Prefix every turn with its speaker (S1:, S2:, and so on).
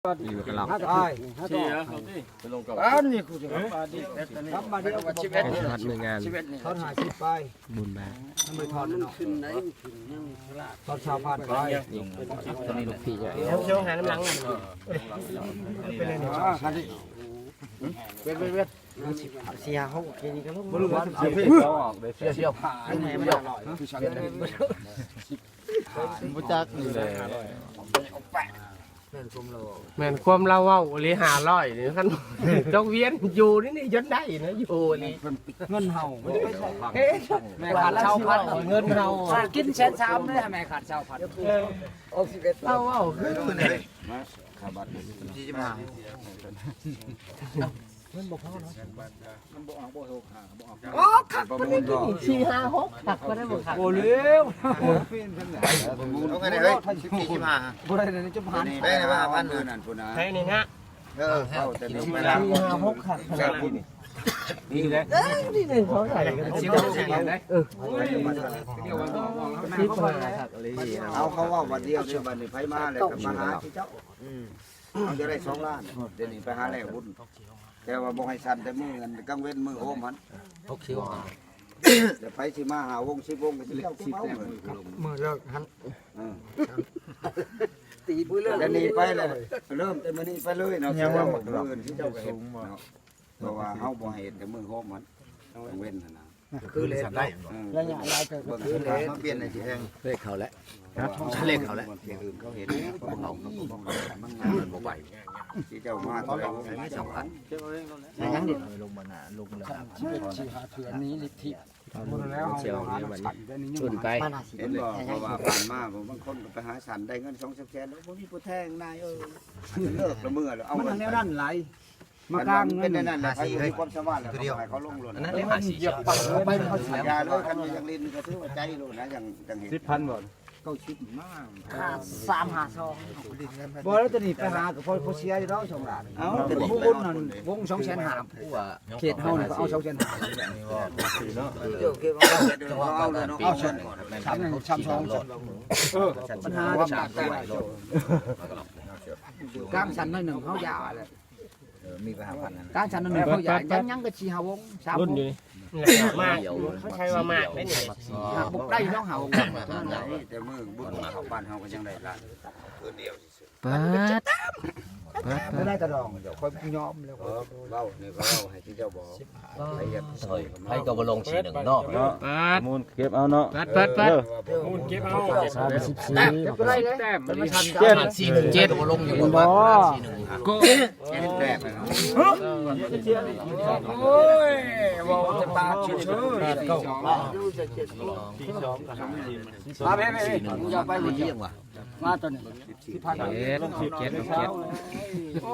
S1: อยู่กันหรอก
S2: เชียร์เขาดิไปลงกับนี่คุณครับมาดิเอาชีวิต
S1: ทอดมืองาน
S3: ทอด50ไป
S1: บุญบา
S3: ทำไมทอดเนาะทอดชาวพันไป
S1: ตอนนี้ลูกพี่เนี่ย
S3: เชียวหาน้ำหลังเป็นอะไรเนี่ยเวทเสียเขาแค่นี้ก็รู้บ่รู้ว่าเสียพี่เสียผ่านไหนไม่อร่อย
S1: บ่จักนี่แหละ
S4: แม่นความเราเว้าหรือ500นี่คันดอกเวียนอยู่นี่จนได้นะอยู่นี่
S3: เงินเฮาไม่ได้ใช่
S4: แม่ขาดชาวพันเงินเฮา
S3: กินแสน3เลยแม่ขาดชาวพัน
S4: เราเว้าคือนี่ 4-5-6ตักก็ได้บ่ครับ
S3: โอ้เร็ว
S5: เอาไงเนี่ยเฮ้ย14 15
S3: บ่ได้เลยจะผ่าน
S5: ได้เลยว่าพันเงินนั่นพุ่นนะ
S4: ให้นี่ฮะ
S5: เข้าแต่นี่เวลา
S4: 4-5-6ครับ
S5: แซ่บพุ่น
S4: นี่แหละนี่นึงเขาใส่กันสิบได้ครับอะไรนี่
S5: เอาเขาว่าวันเดียวเดี๋ยววันนี้ไผมาแล้วก็มาหาที่เจ้าเอาจะได้2 ล้านเดี๋ยวนี้ไปหาแล้วบุญแต่ว่าบ่ให้สั่นแต่มือเงินกังเว้นมือโฮมมันเดี๋ยวไปสิมาหาวง10 วงก็สิเจ้าสิเอาเลย
S3: มือเลิกหัน
S5: ตีปื้อเลิกจะหนีไปเลยเริ่มแต่มื้อนี้ไปเลยเนาะเจ้ามือที่เจ้าสูงเนาะเพราะว่าเฮาบ่เห็นแต่มือโฮมมันกังเว้นนั่นน่ะ
S3: คือเลยได้
S5: ระยะหลายเบิ่งคือเลยเปลี่ยนในสิแฮง
S1: เลขเขาแล้วเลขเขาแล้ว
S5: ที่อื่นเขาเห็นเขามันงานบ่ไหวที่เจ้ามาเท่าไหร่ไม่2,000
S3: ยังดิ
S1: ลงมาหน้าลงเลย
S3: ชีหาเถื่อนนี้ลิทธิหมดแล้ว
S1: เชียวเนี่ยวันนี้ชนไป
S5: เห็นบ่เพราะว่าผ่านมาผมบางคนก็ไปหาสันได้เงิน2-3 แสนแล้วบ่มีผู้แทงนายเลิกละมื้อแล้วเอา
S3: มัน
S5: เงิน
S3: แนวนั้นไหลมากลาง
S5: เป็
S3: เงิ
S5: น
S3: น
S5: นั่นแหละเขาอยู่ที่ความสามารถแล้วเขาเขาลงหล่น
S1: นั่นเลขหาสี
S3: เหยียบปักไปเขาเสีย
S5: ยาเลยคันอย่างลิ้นก็ถือว่าใจโลนะอย่างเห็น
S2: 10,000บ่
S3: เขาชิดมาก
S4: 3-5-2
S3: บ่แล้วจะนี่ไปหากับพ่อเสียอยู่แล้ว2 ล้านเอาแต่ผู้บุญนั่นวง2,500ผู้ว่าเขตเฮานี่ก็เอา2,500
S5: เดี๋ยวเก็บเอาเลยเนาะเอาฉัน
S3: ปัญหาจากกลางชั้นหนึ่งเขายาเลย
S5: มีไปหาพันนั่น
S3: กลางชั้นหนึ่งเขายายังก็ชีหาวง3 วง
S4: มากเขาใช้ว่ามากได้นี่
S3: บุกได้น้องหาวง
S5: แต่มือบุญเขาบ้านเฮาก็ยังได้ล้านคืนเดียว
S1: เปิด
S3: ไม่ได้กระดองเดี๋ยวค่อยยอมแล้ว
S5: เว้านี่ก็เว้าให้ที่เจ้าบอกใครอยากซอย
S1: ให้ก็บ่ลงสีหนึ่งเนาะ
S4: เปิด
S2: มูลเก็บเอาเนาะ
S4: เปิด
S2: มูลเก็บเอา
S3: ก็ได้เลย
S2: แต้มมัน
S1: 417บ่ลงอยู่บนบ้าน415
S4: ก็
S5: แต้มเนาะ
S3: โอ้ยบอกจะตาชื่อก็มาแม่อย่าไปเยี่ยมว่ะมาตัวนี้
S1: 7